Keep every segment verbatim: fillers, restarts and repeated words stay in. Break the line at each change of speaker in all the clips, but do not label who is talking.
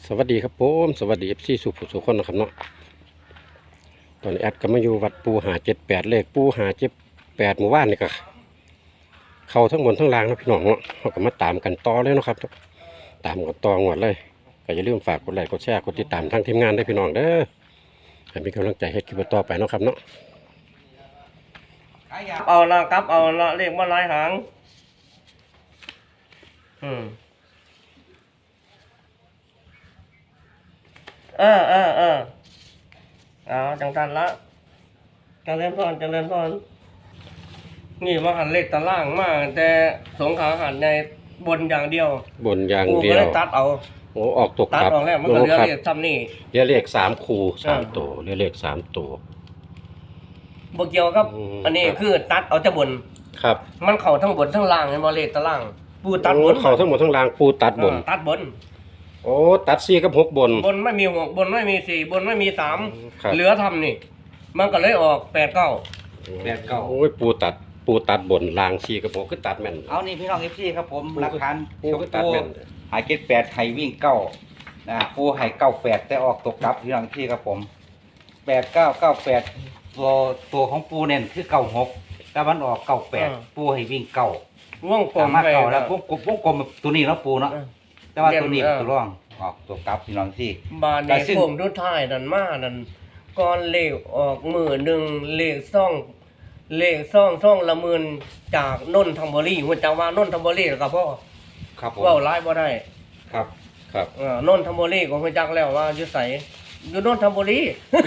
สวัสดีครับผมสวัสดีเอฟซีสุขสุขคนนะครับเนาะตอนนี้แอดก็มาอยู่วัดปูหาเจ็ดแปดเลขปูหาเจ็ดแปดหมู่บ้านนี่ก็เข้าทั้งบนทั้งล่างนะพี่น้องเนาะเขาก็มาตามกันต่อเลยเนาะครับตามกันต่อหมดเลยก็อย่าลืมฝากกดไลค์กดแชร์กดติดตามทั้งทีมงานได้พี่น้องเด้อให้มีกำลังใจให้คลิปต่อไปเนาะครับเนาะ
เอาละครับเอาละเลขมาหลายหางอืมเออเออเออเอาจังทันละจังเล่นพรจังเล่นพรนี่ว่าหันเลขตารางมากแต่สงขาหันในบนอย่างเดียว
บนอย่าง
กู
เดี
ก็
ยว
เลยตัดเอา
โอ้ออกตก
ตัด
ครับ
ออกแล้วมันก็เหลือเลขซ้ำนี่
เรียกเลขสามคูสาม
เออ
ตัวเรียกเลขสามตัว
บเกี่ยวครับ
อืม
อันนี้คือตัดเอาจะบน
ครับ
มันเข่าทั้งบนทั้งล่างเห็นบ่เลขตารางปูตัดบน
เขาทั้งหมดทั้งล่างปูตัดบน
เออตัดบน
โอ้ตัดสี่กับหกบน
บนไม่มีหกบนไม่มีสี่บนไม่มีสาม
ครับ
เหลือทำนี่ มันก็เลยออกแปดเก้า
แปดเก้า
โอ้ยปูตัดปูตัดบนลางชีกระโปงคือตัดแม่น
เอานี่พี่น้องเอฟซีครับผม
ปู
หลักฐาน
ปู
ช
ก็
ม
ตัด
ปู
แม่น
หายเก็ดแปดไห้วิ่งเก้านะปูไห้เก้าแปดแต่ออกตกกลับพี่น้องที่ครับผมแปดเก้าเก้าแปดตัวตัวของปูเน่นคือเก้าหกแต่มันออกเก้าแปดปูให้วิ่งเก้า
ว่องกล
สาม มารถ
ไป
เก้าแล้ววงกลมวงกลมตัวนี้แล้วปูเนาะ
เออ
แต่ว่าตัวนี้
เออ
ตัวร่องออกตัวกลับพี่น้องที่
บานใน
แต่ซึ่ง
โค้งทุดท้ายนั่นมานั่นก่อนเลขออกมือหนึ่งเลขซ่องเลขซ่องซ่องละหมื่นจากนนทบุรีหัวจังว่านนทบุรีแล้วก็พ่อ
ครับผม
เว้าร้ายบ่ได้
ครับ
ครับ
เออนนทบุรีก็หัวจักแล้วว่าอยู่ไสอยู่นนทบุรี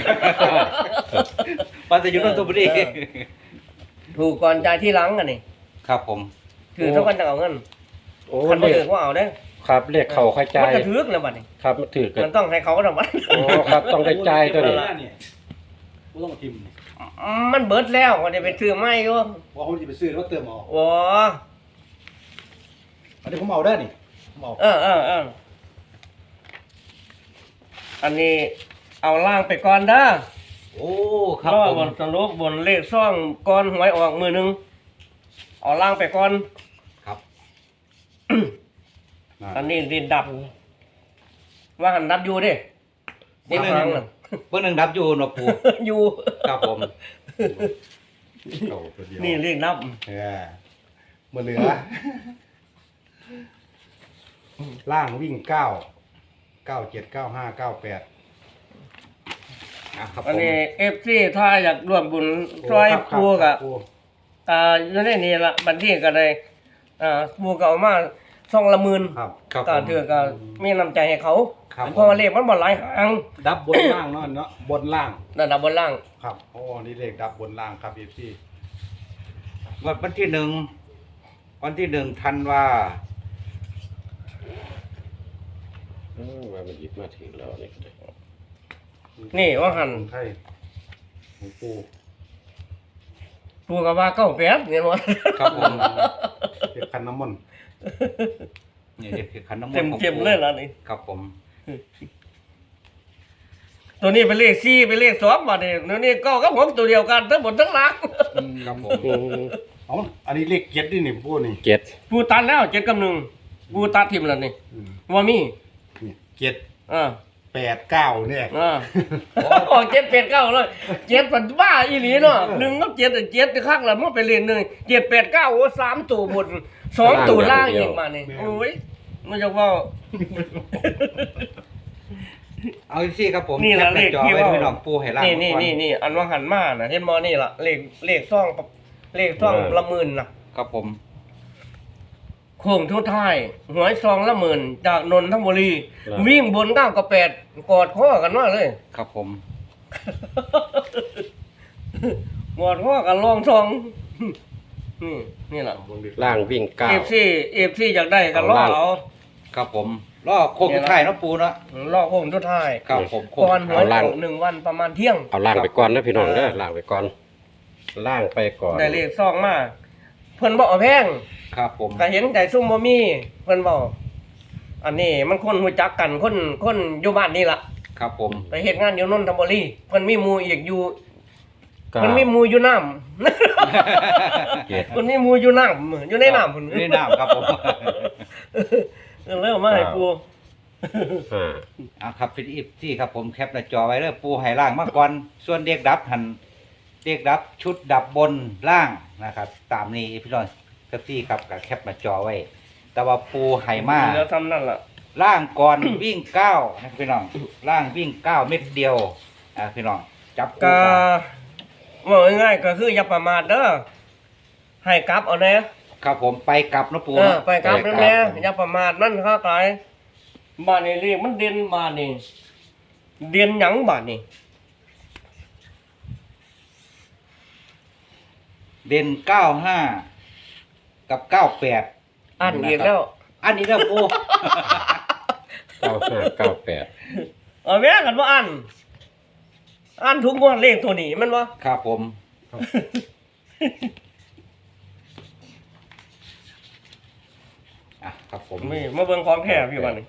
ปัจจุบันตัวบุรี
เออ ถูกก่อนจ่ายที่หลังอันนี้
ครับผม
ถือเท่ากันจะเอาเงิน
โอ้
คัน
เล
บ่
ข
ถือว่าเอาเด้
ครับเลขเข่าใครจ่า
มัน
ย
จะถือแล้วบัดนี้
ครับมันถือกัน
มันต้องให้เขาทำบัด
โอ้ครับต้องได้จ่ายตัวนี้
กูต้องมาทิมนี่
มันเบิดแล้วก็ได้ไปซื้อใหม่อยู่
ว่าผมจะไปซื้อแล้วเติมเอา
โอ้
อันนี้ผมเอาได้นี่ผมเอา
เออเออเอออันนี้เอาล่างไปก่อนเด้อ
โอ้ครับ
รอ
ผ
บ
ม
นสรุปบนเลขซ่องก่อนหวยออกมือหนึงเอาล่างไปก่อน
ครับ
อันนี้ดินดับ ว่าหันดับอยู่เดินี่ครั้งน่ะ
เพื่อนหนึ่งดับอยู่เนาะปู
อยู่
ครับผม
เอาตัวเดียว
นี่เลขนับ
เออมาเหลือล่างวิ่งเก้าเก้าเจ็ดเก้าห้าเก้าแปด
อ่ะครับผ
อัน
ม
นี้เอฟซีถ้าอยากร่วมบุญซอยปูกะอ่าอยู่ในนี่ละบัญชีก็ได้อ่าปูก็เอามาซ่องละหมื่น
ครับ
ครับ
ก็
ผม
ถือก็มีน้ำใจให้เขา
ครับ
เพราะว่าเลขมันบ่หลายหาง
ดับบนล่างเนาะเนาะบนล่าง
ระดับบนล่าง
ครับโอ้นี่เลขดับบนล่างครับพี่พี่
วันวันที่หนึ่งวันที่หนึ่งธันวา
เออว่ามันหยิบมาถึงแล้วนี่ก็ได้
นี่ว่าหัน
ของไทยของปู
ปูก็ว่าเก้าแปดเห็นบ่
ครับผม
เก็บคันน้ำมันต์
นี่เด็กคือขันน้ำมน
เต็ม
ต์ของ
เต็ม
ปู่
เลยล่ะนี่
ครับผม
ตัวนี้เป็นเลขสี่เป็นเลขสองบัดนี้ตัวนี้เก้ากับหกตัวเดียวกันทั้งหมดทั้งหลัง
ครับผม
อืม
เอาอันนี้เลขเจ็ดนี่นี่ปูนี่
เจ็ด
ปูตัดแล้วเจ็ดกับหนึ่งปูตัดทิมแล้วนี่
อืม
ว่ามี
นี่เจ็ด
อ่า
แปดเก้าเนี่ย
อ่าออกเจ็ดแปดเก้าเลยเจ็ดปันบ้าอีหลีเนาะหนึ่งกับเจ็ดอะเจ็ดข้างละมันไปเรียนหนึ่งเจ็ดแปดเก้าโอ้สามตัวบนสองตัวล่างอีกมานี่โอ้ยมันจะว่า
เอาอีกทีครับผม
นี่ล่ะ
แคปหาจอ
เลขที่
ไว้
ว่า
ด้วยน้องปูให้ล่าง
นี่นี่
ก่อ
นี่นี่อันว่าหันมาน่ะเห็นมอนี่ล่ะเลขเลขซ่องเลขซ่องละหมื่นน่ะ
ครับผม
โค้งทุกท้ายหวยซองละหมื่นจากนนทบุรี วิ่งบนเก้ากับแปดกอดข้อกันว่าเลย
ครับผม
กอดข้อกันลองซองนี่นี่แหละ
ล่างวิ่งเก้า
เอฟซีเอฟซีอยากได้กันล่อ
เอาล่าง
เอา
ครับผมรอโค้งสุดท้ายเนาะปูเนาะ
ล่อโค้งทุกท้าย
ครับผมโค้ง
ก่อนห
สุด
วย
ท้าย
ออกหนึ่งวันประมาณเที่ยง
เอาล่างไปก่อนนะพี่น้องเด้อล่างไปก่อนล่างไปก่อน
ได้เลขซองมาเพิ่นบอกเอาแพง
ครับผม
ก็เห็นใจซุ่มบ่มีเพิ่นบอกอันนี้มันคนรู้จักกันคนคนอยู่บ้านนี่ล่ะ
ครับผม
ไปเฮ็ดงานอยู่นนทบุรีเพิ่นมีหมู่อีกอยู่
เก้า
มันมีหมู่อยู่น้ำ
เจ็ด
มันมีหมู่อยู่น้ำอยู่ในน้ำพุ่น
นี่น้ำครับผม
เออแล้วมาให้ปู
ห้า
เอาครับฟิลิปที่ครับผมแคปหน้าจอไว้เด้อปูให้ล่างมาก่อนส่วนเด็กดับหันเด็กดับชุดดับบนล่างนะครับ ตามนี้พี่น้องครับที่ครับกับแคปหน้าจอไว้ แต่ว่าปูให้มา
เหลือทำนั่นล่ะ
ล่างก่อน วิ่งเก้านะพี่น้องล่างวิ่งเก้าเม็ดเดียวอ่าพี่น้องจับคู่
ก็
กัน
ว่าง่ายๆก็คืออย่าประมาทเด้อให้กลับเอาแน่
ครับผมไปกลับนะปู
เออ
เนาะ
ไปกลับนั่นแหละอย่าประมาทมันค้าขายบ้านนี่เรียกมันเด่นบ้านนี่เด่นหยังบ้านนี่
เด่นเก้าห้ากับเก้าแปด
อ่านอีกแล้ว
อันนี้นะปู
เก้าห้าเก้าแปด
เอาแม่กันว่าอ่านอ่านทุกงวดเลขตัวนี้มันวะ
ครับผมอ่ะครับผม
นี่มาเบิ่งของแท้พี่บ้านนี่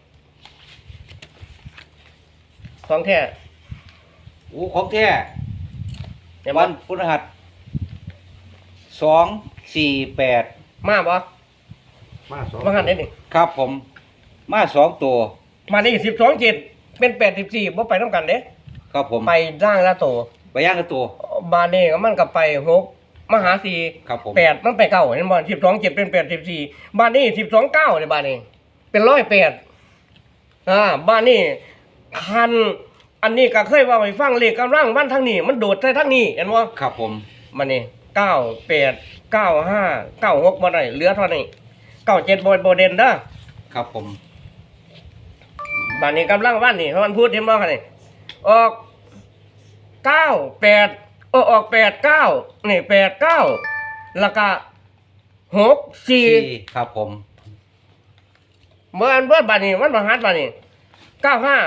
ของแท้
โอ้ของแท้
เห็น
วั
บ่
นพฤหัสสองสี่แปด
มาบ่
มาสอง
มาหันได้นี่
ครับผม มาสองตัว
มานี่สิบสองเจ็ดเป็นแปดสิบสี่บ่ไปน้ำกันเด้
ครับผม
ไปร่างละโต
ไปย่างกับตัว
บานนี่ก็มันก็ไปหกมหาสี่
ครับผม
แปดมันไปเก้าเห็นบ่สิบสองเจ็ดเป็นแปดสิบสี่บ้านนี้สิบสองเก้าเลยบ้านนี้ เป็นร้อยแปดอ่าบ้านนี้คันอันนี้ก็เคยว่าไปฟังเลขกำลังวันทางนี้ มันโดดใส่ทางนี้เห็นบ่
ครับผม
มันนี่เก้าแปดเก้าห้าเก้าหกบ่ได้เหลือเท่านี้เก้าเจ็ดบ่บ่เด่นเด้อ
ครับผม
บ้านนี้กำลังวันนี่เพราะมันพูดเห็นบ่คั่นนี่ออกเก้าแปดเออออกแปดเก้านี่แปดเก้าแล้วก็หกสี่
สี่ครับผม
เมื่ออันเบิดบานี้มันมาฮัดบานี้เก้าห้า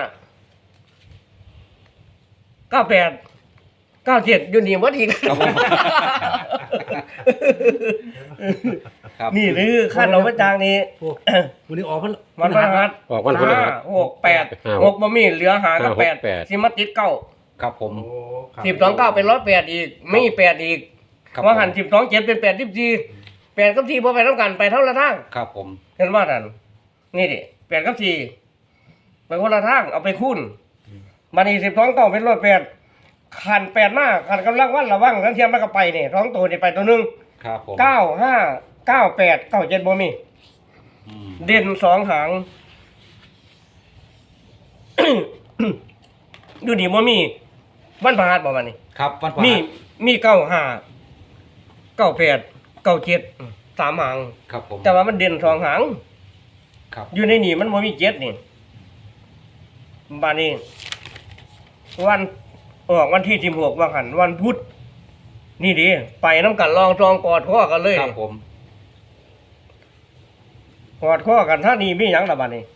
เก้าแปดเก้าเจ็ดอยู่นี่หมดอีก
ครับผมครับ
นี่หรือขั้นเราประจางนี้
โอ้วันนี้ออกมัน
มันมาฮัด
ออกวันพฤหัส
ห้าหกแปด
ห้า
หกบ่มีเหลือหากับ
ห้าหก
แปด
แปด
สิมาติดเก้า
ครับผม
โอ้ครับ
สิบสองเก้าเป็นร้อยแปดอีกไม่แปดอีก
ครับ
ว่าหันสิบสองเจ็ดเป็นแปดสิบสี่แปดกับสี่พอไปเท่ากันไปเท่าละทาง
ครับผม
เห็นว่าดันนี่ดิแปดกับสี่ไปคนละทางเอาไปคูณมานี่สิบสองเก้าเป็นร้อยแปดขันแปดมากขันกำลังวันระวังทั้งเทียมมันก็ไปเนี่ยท้องตัวนี่ไปตัวหนึง
ครับผม
เก้าห้าเก้าแปดเก้าเจ็ดบ่มี
อืม
เด่นสองหาง ดูนี่บ่มีวันพฤหัสบ่มานี่
ครับวันพฤ
มี
หัส
มีเก้าห้าเก้าแปดเก้าเจ็ดสามหาง
ครับผม
แต่ว่ามันเด่นสองหาง
ครับ
อยู่ในนี่มันบ่มีเจ็ดนี่บานี้ วันออกวันที่สิบหกว่าหันวันพุธนี่ดิไปน้ำกันลองจองกอดข้อกันเลย
ครับผม
กอดข้อกันถ้านี่มีหยังละบานี้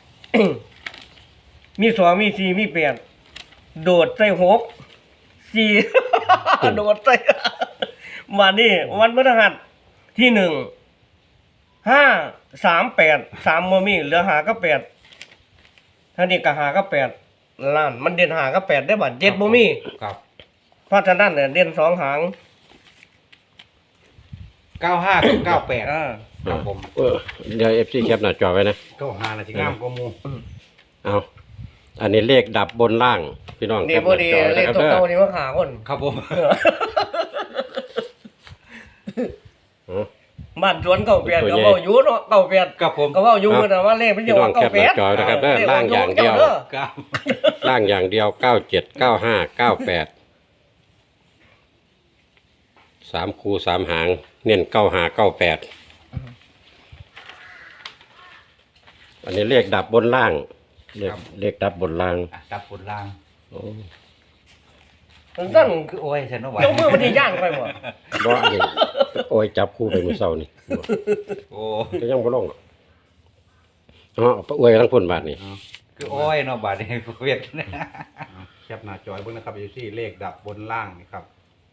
มีสองมีสี่มีแปดโดดใส่หกสี่ โดดใส่ มานี่วันพฤหัสที่หนึ่งห้าสามแปดสามโมมีเหลือหาก็แปดท่านี้ก็หาก็แปดล้านมันเด่นหาก็แปดได้บัตรเจ็ดโมมี
ครับ
เพราะฉะนั้นเนี่ยเด่นสองหาง
เก้าห้ากับเก้าแปด
อ่า
ครับผม
เออเดี๋ยวเอฟซีแคปหน้าจอไว้นะ
เก้าหานาทีงามกว่าหมู
เอาอันนี้เลขดับบนล่าง พี่น้อง
เดี๋
แค
ยว
ป
พ
ห
อ
น้า
ดี
จอ
เล
นะ
ข
ครับ
ตัว
เด้อ
เก่านี่ว่าขาคน
ครับผม
บ้านสวนเก่าเปลี่ยนก็เว่าอยู่เนาะเก่าเปลี่ยน
ครับผม
ก็เว่าอยู่แต่ว่าเลขมันจะ
พี่น้
อ
อ
อง ก
แค
เก่า
ป
เป
ห
ลี่ย
น้าน จอนะครับเด้อล่างอย่างเดียว
ครับ
ล่างอย่างเดียวเก้าเจ็ดเก้าห้าเก้าแปดสามคูสามหาง เน้นเก้าห้าเก้าแปดอันนี้เลขดับบนล่างเลขเลขดับบนล่าง
อ่ะจับบนล่าง
โอ้
ตั้ง
คือโอ้ยฉันว่าไหว
เจ้ามือมันดีย่านไปหมด
บ่อันนี้โอ้ยจับคู่ไปมือเศร้านี่
โอ้
ก็ยังบ่ลงหรอกอ๋อเอาไปอวยทั้งพุ่นบาทนี่
คือโอ้ยเนาะบาดนี้เวียดนะ
เอาแคปหน้าจอยเบิ่งนะครับอยู่ที่เลขดับบนล่างนี่ครับ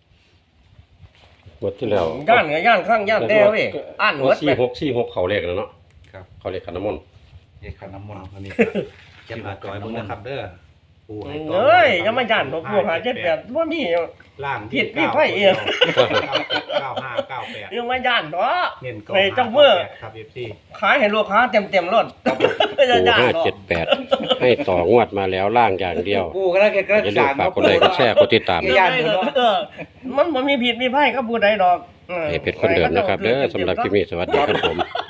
หมดที่แล้ว
ย่านกับย่านข้างย่านแด้เว้ยอ่านหมด
สี่
ไป
หกสี่หกเขาเลขแล้วเนาะ
ครับ
เขาเลขขันน้ำมนต์
เอกขันน้ำมนต์
อันนี้ก็แคปหน้าจอยเบิ่งนะครับเด้อปูให้ต่อ
เอ้ยยังไม่ย่านตัวพวกหาเจ็ดแปดว่ามี
ล่าง
ผิด
วิ่ง
พี่ไพ่เอียง
เก้าเจ็ดเก้าห้าเก้าแปด
ยังไม่ย่านเนาะ
เน้นเก้า
ใน
ห้า
เจ้าเมื่อ
แปดครับเอฟซี
ขายให้ลูกค้าเต็มเต็มๆรถไม่
ปู
จะย่าน
ห้า
เนาะ
เจ็ดแปดให้ต่องวดมาแล้วล่างอย่างเดียว
ปูก็แล้วแกก็
อย่าลืมฝากกดไลค์กดแชร์กดติดตาม
ย่านเนาะ
เออมันมันมีผิดมีไพ่ก็พูดได้ดอกออ
ให้เป็นคนเดิมนะครับเด้อสำหรับคลิปนี้สวัสดีครับผม